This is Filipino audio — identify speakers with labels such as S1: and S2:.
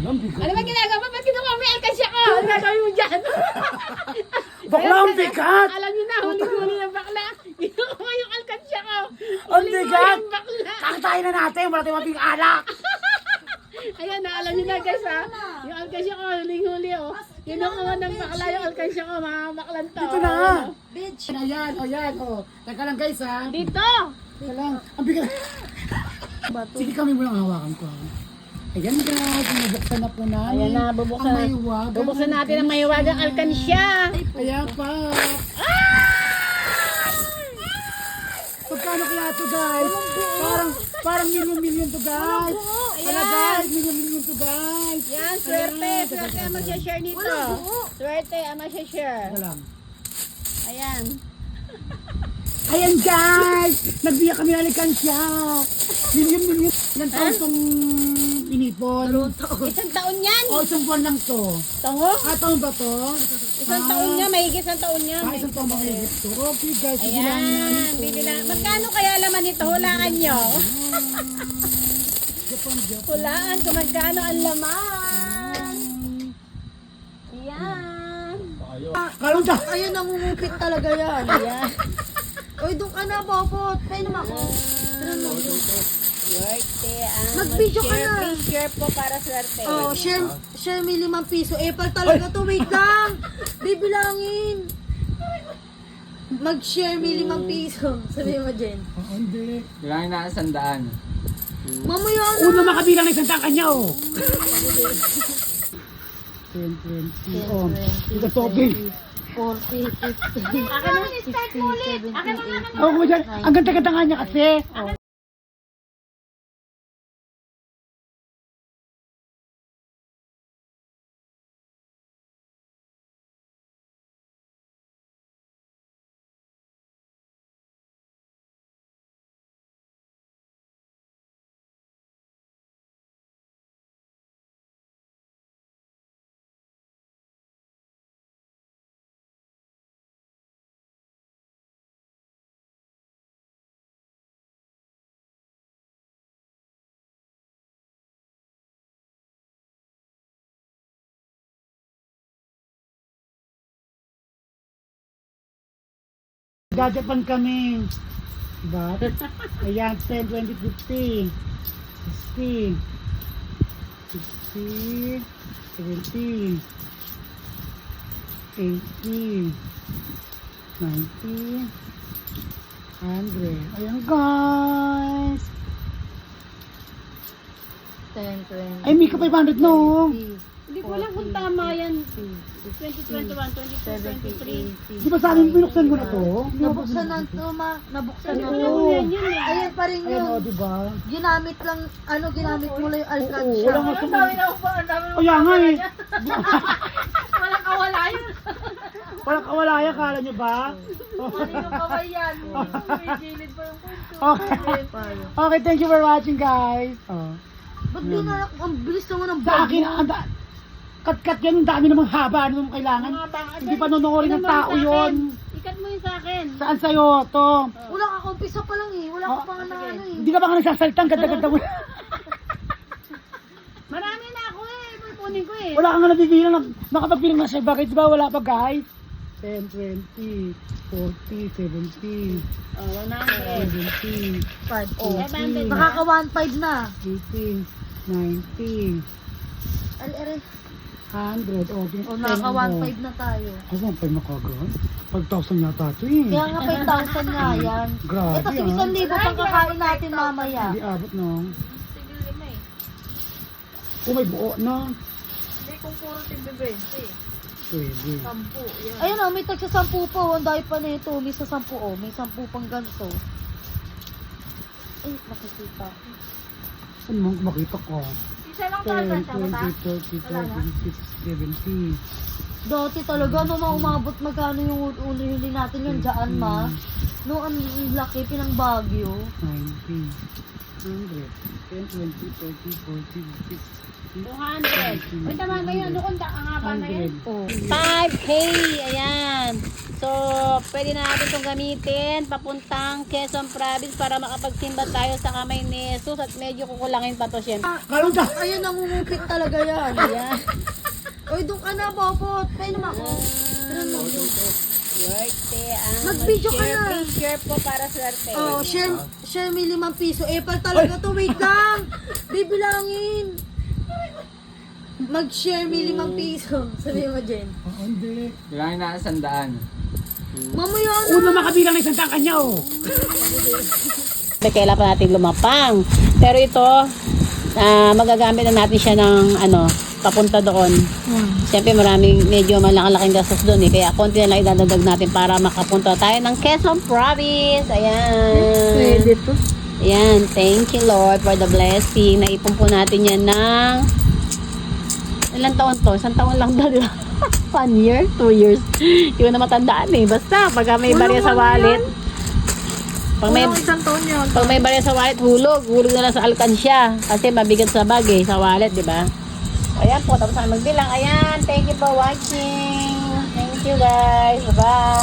S1: Ano ba ginagawa mo? Ba't kinuha mo yung alkansya ko? Ano gagawin mo dyan?
S2: Bakla ang bigat!
S1: Alam niyo na, huli-huli ng bakla. Kinuha yung alkansya ko.
S2: Ang bigat!
S1: Yung bakla.
S2: Kakatayin na natin, wala tayong mabing alak!
S1: Ayan na, alam niyo na guys ha. Yung alkansya ko, huling-huli oh. Kinuha ng bakla yung alkansya ko, mga baklan to.
S2: Dito na nga!
S1: Bitch.
S2: Ayan, ayan, o. Teka lang guys ha.
S1: Dito!
S2: Teka lang. Ang bigat. Sige kami mo lang hawakan ko. Ayan guys, binubuksan na po namin.
S1: Ayan na, bubuksan.
S2: Ang mahiwagang.
S1: Bubuksan natin ang mahiwagang alkansya.
S2: Ayan pa. Pagkano kaya to guys? Parang million to guys. Wala guys, million to guys.
S1: Yan, swerte. Swerte ang mag-share nito. Swerte ang mag-share.
S2: Teka lang.
S1: Ayan.
S2: Ayan guys! Nagbiya kami ng alkansya. Million. Ilang taon tong inipon?
S1: Isang taon yan.
S2: O, isang buwan lang to.
S1: Tango?
S2: Taon ba to?
S1: Isang taon niya, mahigit isang taon niya.
S2: Isang taon ba kayo to? Okay guys, bibilangin namin
S1: Ayan,
S2: to.
S1: bibila. Magkano kaya laman ito? Hulaan nyo.
S2: Japan.
S1: Hulaan kung magkano ang laman. Ayan.
S2: Kalong ta!
S3: Ayun, nangungupit talaga yan.
S1: Ayan.
S3: Uy, doon ka na, Bobot. Pwede naman ako.
S1: Swerte ang
S3: Mag-video ka
S1: mag-share.
S3: na.
S1: Please share po para swerte.
S3: Oh, share me 5 piso. Epal talaga to. Wait lang. Bibilangin. Mag-share me 5 piso. Sabi mo, Jen.
S2: Oo, hindi.
S4: Bilangin na 100.
S3: Mamaya na.
S2: Una makabilang ng isang tangka niya, oh. 10, 20, oh. Ito topic.
S3: 40, 50,
S1: Akin na, start mo ulit. Akin na,
S2: Ako ko dyan. Ang ganda-ganda nga niya kasi. Oh. Jajapan kami. Diba? Ayan, 10, 20, 50. 60. 60. 70. 80. 90. 100. Ayan guys.
S3: 10, 20.
S2: Ay, Mika 500 no.
S1: Hindi ko alam kung tama yan. 2021, 22, 23.
S2: Di ba sa akin binuksan ko na to?
S3: Nabuksan na to, ma. Nabuksan na to.
S2: Oo.
S1: Yan yun eh.
S3: Ayan pa rin
S2: Ayan o,
S3: yun.
S2: diba?
S3: Ginamit lang, ginamit mo lang yung
S2: Oo,
S3: alkansya.
S2: wala nga sa... Kaya nga eh.
S1: Walang kawala yun.
S2: Walang kawala yan, kala nyo ba?
S1: Yung kaway yan. May gilid pa yung punto.
S2: Okay. Okay, thank you for watching guys. Oh.
S3: Ba't di na, ang bilis naman ng
S2: Sa akin, kat-kat yan, ang dami namang haba, ano namang kailangan. Hindi pa nonoorin ng tao yon.
S1: Ikat mo yun sa akin.
S2: Saan sa'yo to?
S3: Wala ka, umpisa pa lang eh. Wala ka pa nga na ano eh.
S2: Hindi ka ba ka nagsasaltang, ganda-ganda mo.
S1: Marami na ako eh. Pupunin ko eh.
S2: Wala ka nga nabibilang, nakapagbilang na siya. Bakit ba wala pa guys? 10, 20, 40, 70,
S1: Oh, 100.
S2: 70,
S3: 5. Oh.
S2: 80,
S3: Nakaka 1.5 na.
S2: 80, 90,
S3: Ari.
S2: 100. Oh,
S3: O, naka 1.5 na tayo.
S2: Ay, 1.5 na kagad? 5,000 yata ito eh.
S3: Kaya nga 5,000 nga yan.
S2: Grabe
S3: Ito, sige,
S2: ah.
S3: 1,000 pang kakain natin mamaya.
S2: Hindi abot no.
S1: Tigil lima eh.
S2: Kung may buo na.
S1: Hindi kung puro tigil 20.
S2: Pwede.
S1: 10. Yan.
S3: Ayun o, may tagsa 10 po. Ang dahil pa na ito. May sa 10 o. May 10 pang ganito. Ay, nakikita.
S2: Saan mo makita ko?
S1: Isa lang
S2: 10,
S1: talaga siya.
S2: 20, 30, 40, 50, 70.
S3: Dati talaga, no, umabot magkano yung uli-huli natin yung dyan, ma. No, ang laki, pinang Baguio.
S2: 90, 100, 10, 20, 30, 40, 50,
S1: 200. Uy, tama ba yun? Ano kung ang haba na yan?
S2: 100.
S3: Oh.
S4: 5K, ayan. So, pwede na natin itong gamitin papuntang Quezon Province para makapagsimba tayo sa kamay ni Jesus at medyo kukulangin pa to syempre.
S2: Kalong ka!
S3: Ayun, nangungupit talaga yan.
S4: Ayan.
S3: Uy, doon ka na, Popot. Tayo naman ako.
S4: Swerte ang
S3: Mag-video ka
S4: mag-share.
S3: na.
S4: Please share po para swerte.
S3: Oh, share me 5 piso. Epal talaga to. Wait lang. Bibilangin. Mag-share me 5 piso. Sabi mo, Jen.
S2: Oo, hindi.
S5: Kailangan na 100.
S3: Mamaya na.
S2: Una makabilang ng isang tangka niya, oh.
S4: Kailan pa natin lumapang. Pero ito, magagamit na natin siya ng papunta doon. Siyempre medyo malaking gastos doon eh. Kaya konti na lang idadagdag natin para makapunta tayo ng Quezon Province. Ayan.
S3: Pwede to.
S4: Ayan. Thank you Lord for the blessing. Naipon po natin yan ng ilang taon to? Isang taon lang daw, di ba? 1 year? 2 years? Hindi ko na matandaan eh. Basta, pag may barya sa wallet. Pag may,
S3: Isang taon yun.
S4: pag may barya sa wallet, hulog na lang sa alkansya. Kasi mabigat sa bag eh, sa wallet, di ba? Ayan po, tapos na magbilang. Ayan, thank you for watching. Thank you guys. Bye-bye.